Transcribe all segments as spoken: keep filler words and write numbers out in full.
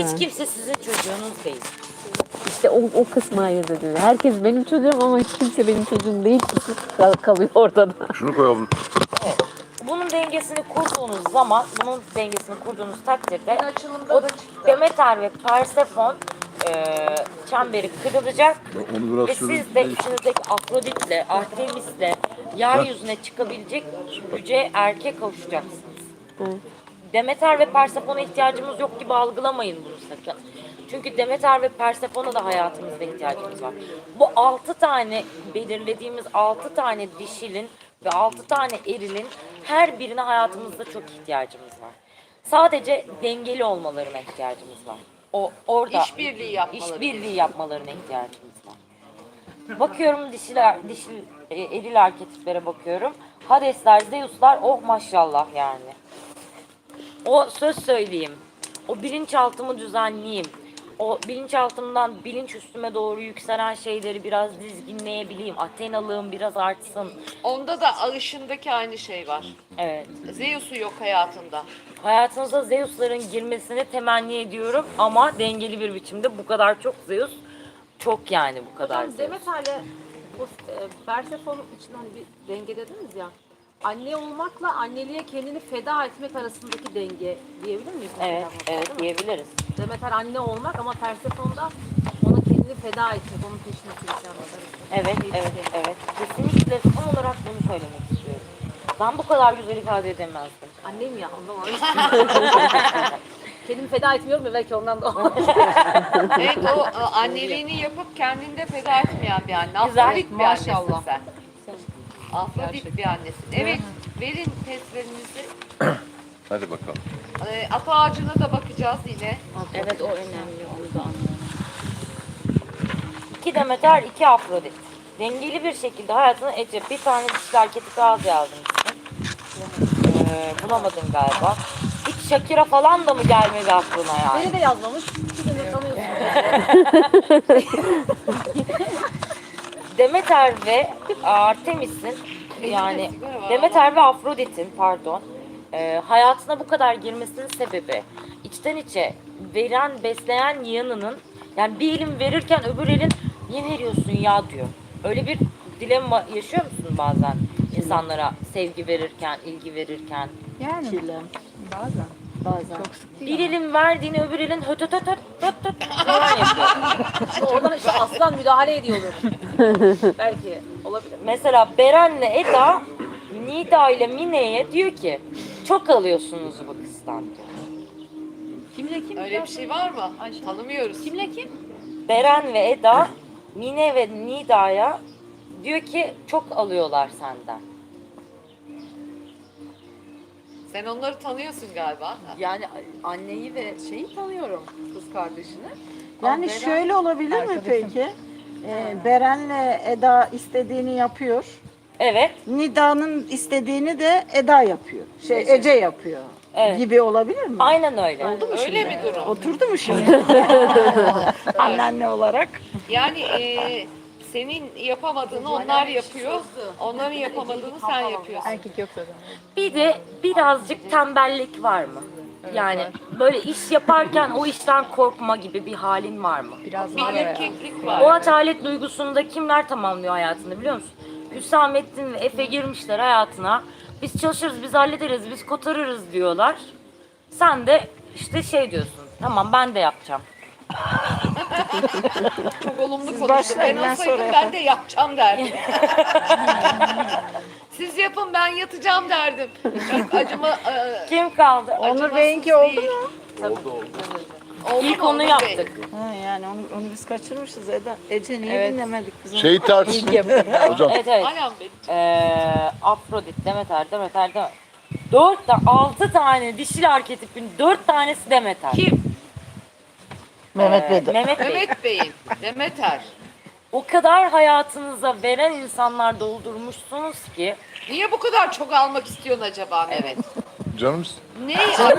Hiç kimse sizin çocuğunuz değil. İşte o, o kısmı ayırt ediyor. Herkes benim çocuğum ama hiç kimse benim çocuğum değil. Kısmı kal- kalıyor ortada. Şunu koyalım. Evet. Bunun dengesini kurduğunuz zaman, bunun dengesini kurduğunuz takdirde açılımda o da çıktı. Demeter ve Persefon e, çemberi kırılacak Onu biraz ve sürün. siz de içinizdeki Afrodit'le, Artemis'le yeryüzüne çıkabilecek yüce erkek kavuşacaksınız. Evet. Demeter ve Persefon'a ihtiyacımız yok gibi algılamayın bunu sakın. Çünkü Demeter ve Persefon'a da hayatımızda ihtiyacımız var. Bu altı tane belirlediğimiz altı tane dişilin ve altı tane erilin her birine hayatımızda çok ihtiyacımız var. Sadece dengeli olmalarına ihtiyacımız var. O orada İşbirliği yapmaları. işbirliği yapmalarına ihtiyacımız var. Bakıyorum dişiler, dişil, e, eril arketiplere bakıyorum. Hadesler, Zeus'lar, oh maşallah yani. O söz söyleyeyim. O bilinçaltımı düzenleyeyim. O bilinçaltımdan bilinç üstüme doğru yükselen şeyleri biraz dizginleyebileyim. Athenalığım biraz artsın. Onda da ağışındaki aynı şey var. Evet. Zeus'u yok hayatında. Hayatınıza Zeus'ların girmesini temenni ediyorum ama dengeli bir biçimde. Bu kadar çok Zeus çok yani bu kadar Hocam Zeus. Demeter'le bu e, Persephone için hani bir denge dediniz ya. Anne olmakla anneliğe kendini feda etmek arasındaki denge diyebilir miyiz? Evet, mesela bu, evet değil mi? diyebiliriz. Demeter anne olmak ama Persephone'da ona kendini feda etmek, onun peşine sürüklenmek arasında. Evet, evet, evet. Kesinlikle tam olarak bunu söylemek istiyorum. Ben bu kadar güzel ifade edemezdim. Annem ya ondan var. Kendimi feda etmiyorum ya belki ondan da. Evet o e, anneliğini yapıp kendinde feda etmeyen bir anne. Güzel, Afrodit bir annesin maşallah. sen. Afrodit bir annesin. Evet verin testlerinizi. Hadi bakalım. E, ata ağacına da bakacağız yine. Evet, o önemli. Onu da İki Demeter, iki Afrodit. Dengeli bir şekilde hayatını Ece. Bir tane dişli arketi az yazdım. Ee, bulamadın galiba. Hiç Shakira falan da mı gelmedi aklına yani? Beni de yazmamış. Siz de tanıyorsunuz. Demeter ve Artemis'in yani Demeter ve Afrodit'in pardon e, hayatına bu kadar girmesinin sebebi içten içe veren besleyen yanının yani bir elin verirken öbür elin niye veriyorsun ya diyor. Öyle bir dilemma yaşıyor musun bazen insanlara sevgi verirken, ilgi verirken? Yani Çile. bazen. Bazen. Çok sık değil Bir elin verdiğini öbür elin höt höt höt höt höt höt falan yapıyor. Oradan işte aslan müdahale ediyordur. belki olabilir. Mesela Beren'le Eda Nida ile Mine'ye diyor ki çok alıyorsunuz bu kızdan diyor. Kimle kim? Öyle bir şey var mı? Ayşe. Tanımıyoruz. Kimle kim? Beren ve Eda Mine ve Nida'ya diyor ki çok alıyorlar senden. Sen onları tanıyorsun galiba. Yani anneyi ve şeyi tanıyorum, kız kardeşini. Yani Beren- şöyle olabilir mi Arkadaşım. peki? Ee, Beren'le Eda istediğini yapıyor. Evet. Nida'nın istediğini de Eda yapıyor. Şey Ece yapıyor. Evet. Gibi olabilir mi? Aynen öyle. Öyle mi durum? Oturdu mu şimdi? Anneanne olarak. Yani e, senin yapamadığını onlar yapıyor. Onların yapamadığını sen yapıyorsun. Erkek yok zaten. Bir de birazcık tembellik var mı? Yani böyle iş yaparken o işten korkma gibi bir halin var mı? Biraz Bir var ya. erkeklik O var. atalet duygusunu da kimler tamamlıyor hayatında biliyor musun? Hüsamettin ve Efe girmişler hayatına. Biz çalışırız, biz hallederiz, biz kotarırız diyorlar. Sen de işte şey diyorsun. Tamam ben de yapacağım. Çok olumlu konuştu. başlayın, Ben ben olsaydım sonra ben de yapacağım derdim. Siz yapın ben yatacağım derdim. Çok acıma... e, Kim kaldı? Onur Bey'inki oldu değil. mu? Oldu İlk mu onu Onur Bey? yaptık. Ha, yani onu, onu biz kaçırmışız Eda. Ece niye Evet. dinlemedik biz onu? Şey ters. Hocam Evet evet. Aynen benim. Ee, Afrodit, Demeter, Demeter, Demeter. Dört tane, altı tane dişil arketipin dört tanesi Demeter. Kim? Mehmet Ee, Bey de. Mehmet Bey. Mehmet Bey'in. Demeter. O kadar hayatınıza veren insanlar doldurmuşsunuz ki. Niye bu kadar çok almak istiyorsun acaba Mehmet? canım Ne?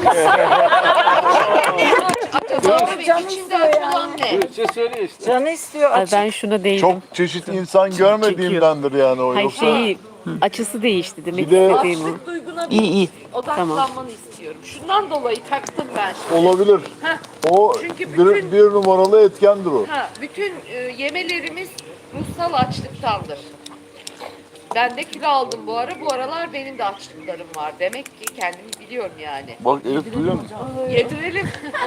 Acaba Mehmet Canı içinde istiyor açılan ne? Canı istiyor Ay açık. ben şuna değilim. çok çeşit insan görmediğimdendir yani o Hayır yoksa. şeyi Açısı değişti demek Bir de- istediğim o. Açlık duyguna İyi iyi. odaklanmanı istiyorum. Şundan dolayı taktım ben şimdi. Olabilir. Heh. O Çünkü bir, bütün- bir numaralı etkendir o. Ha, bütün e, yemelerimiz ruhsal açlıktandır. Ben de kilo aldım bu ara. Bu aralar benim de açlıklarım var. Demek ki kendimi biliyorum yani. Bak Elif duyuyor musun? Yedirelim.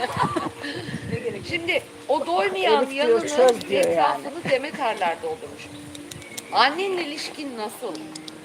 Şimdi o doymayan Elif diyor, yanını çöz diyor etrafını Demeterler doldurmuş. Annenle ilişkin nasıl?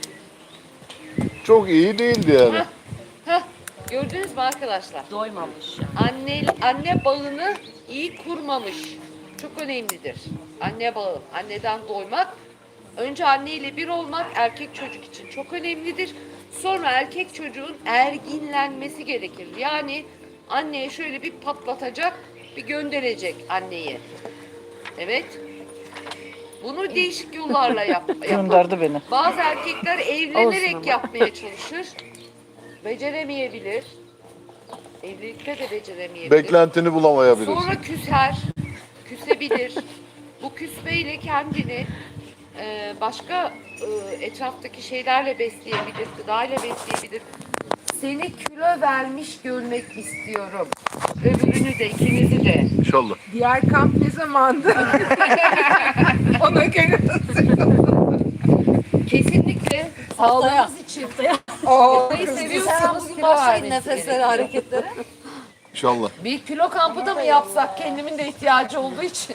Çok iyi değildi yani. Heh, gördünüz mü arkadaşlar? Doymamış. Anne anne bağını iyi kurmamış. Çok önemlidir. Anne bağı, anneden doymak. Önce anneyle bir olmak erkek çocuk için çok önemlidir. Sonra erkek çocuğun erginlenmesi gerekir. Yani anneye şöyle bir patlatacak, bir gönderecek anneyi. Evet. Bunu değişik yollarla yap. Gönderdi beni. Bazı erkekler evlenerek yapmaya çalışır. Beceremeyebilir. Evlilikte de beceremeyebilir. Beklentini bulamayabilir. Sonra küser, küsebilir. Bu küsmeyle kendini e, başka e, etraftaki şeylerle besleyebilir, gıdayla besleyebilir. Seni kilo vermiş görmek istiyorum. Öbürünü de, ikinizi de. İnşallah. Diğer kamp ne zamandı? Ona göre Kesinlikle sağlığınız için. o Neyi seviyorsanız kilo vermesi hareketlere. İnşallah. Bir kilo kampı da mı yapsak kendimin de ihtiyacı olduğu için?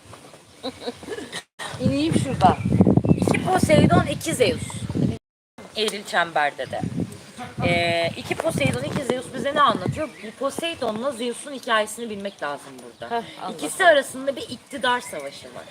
İneyim şuradan. İki Poseidon, iki Zeus. Eril çemberde de. Ee, iki Poseidon, iki Zeus bize ne anlatıyor? Bu Poseidon'la Zeus'un hikayesini bilmek lazım burada. İkisi arasında bir iktidar savaşı var.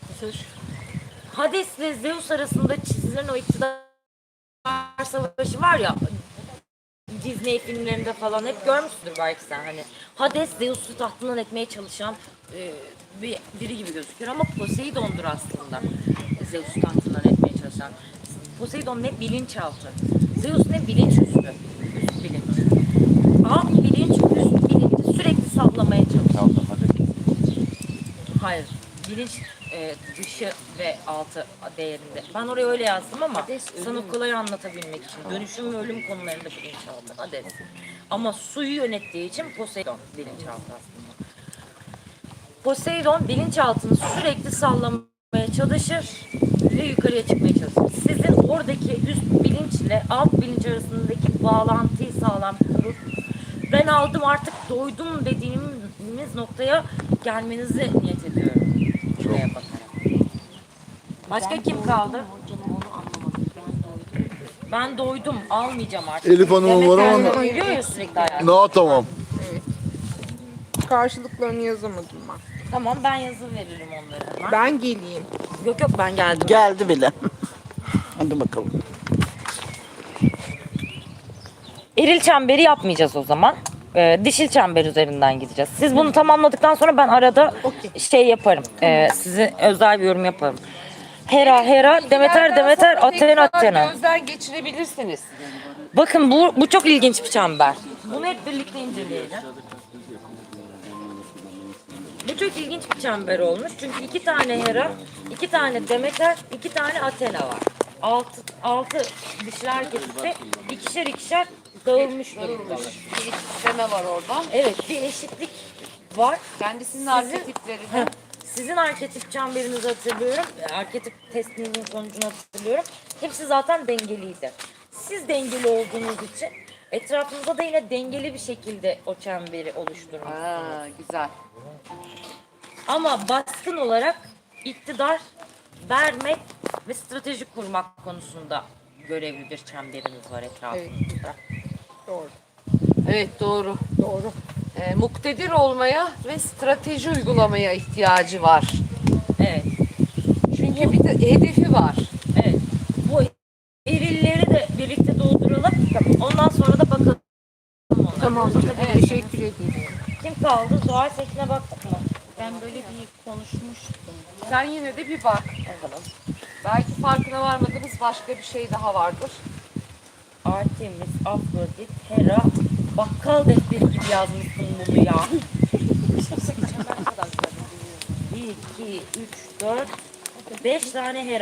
Hades ile Zeus arasında çizilen o iktidar savaşı var ya, Disney filmlerinde falan hep görmüşsündür belki sen, hani Hades Zeus'u tahtından etmeye çalışan e, bir biri gibi gözüküyor ama Poseidon'dur aslında Zeus'u tahtından etmeye çalışan. Poseidon ne bilinçaltı, Zeus ne bilinçüstü, üst bilinç. Alt bilinç, üst bilinci sürekli sallamaya çalışan. Hayır, bilinç e, dışı ve altı değerinde. Ben oraya öyle yazdım ama sana kolay anlatabilmek için. Dönüşüm ve ölüm konularında bilinçaltı Hades. Ama suyu yönettiği için Poseidon bilinçaltı aslında. Poseidon bilinçaltını sürekli sallamaya çalışır ve yukarıya çıkmaya çalışır. Sizin oradaki üst bilinçle alt bilinç arasındaki bağlantıyı sağlam kurur. Ben aldım artık doydum dediğimiz noktaya gelmenizi niyet ediyorum. Şuraya bakarak. Başka kim kaldı? Ben doydum, almayacağım artık. Elif Hanım'ın var ama- Demet Erbil diyor ya sürekli hayatım. Ne tamam. karşılıklarını yazamadım ben. Tamam, ben yazı veririm onlara. hemen. Ben geleyim. Yok yok, ben geldim. Geldi bile. Hadi bakalım. Eril çemberi yapmayacağız o zaman. Ee, dişil çember üzerinden gideceğiz. Siz bunu tamamladıktan sonra ben arada şey yaparım. Ee, size özel bir yorum yaparım. Hera, Hera, Demeter, Demeter, Athena, Athena. Gözden geçirebilirsiniz. Bakın bu, bu çok ilginç bir çember. Bunu hep birlikte inceleyelim. Bu çok ilginç bir çember olmuş. Çünkü iki tane Hera, iki tane Demeter, iki tane Athena var. Altı, altı dişli arketipi ikişer ikişer dağılmış durumda. Bir sisteme var orada. Evet, bir eşitlik var. Kendisinin arketiplerini. Sizin arketip çemberinizi hatırlıyorum. Arketip testinizin sonucunu hatırlıyorum. Hepsi zaten dengeliydi. Siz dengeli olduğunuz için etrafınızda da yine dengeli bir şekilde o çemberi oluşturmuşsunuz. Aa, güzel. Ama baskın olarak iktidar vermek ve strateji kurmak konusunda görevli bir çemberiniz var etrafınızda. Doğru. Evet, doğru. Doğru. Ee, muktedir olmaya ve strateji uygulamaya ihtiyacı var. Evet. Çünkü bir de hedefi var. Evet. Bu erilleri de birlikte dolduralım. Ondan sonra da bakalım. onlara. Tamam. Evet. Teşekkür ederim. Kim kaldı? Zuhal Sekin'e baktık mı? Ben böyle bir konuşmuştum. Sen yine de bir bak. Bakalım. Belki farkına varmadığımız başka bir şey daha vardır. Artemis, Afrodit, Hera, bakkal defteri gibi yazmışsın bunu ya. bir, iki, üç, dört, beş tane Hera.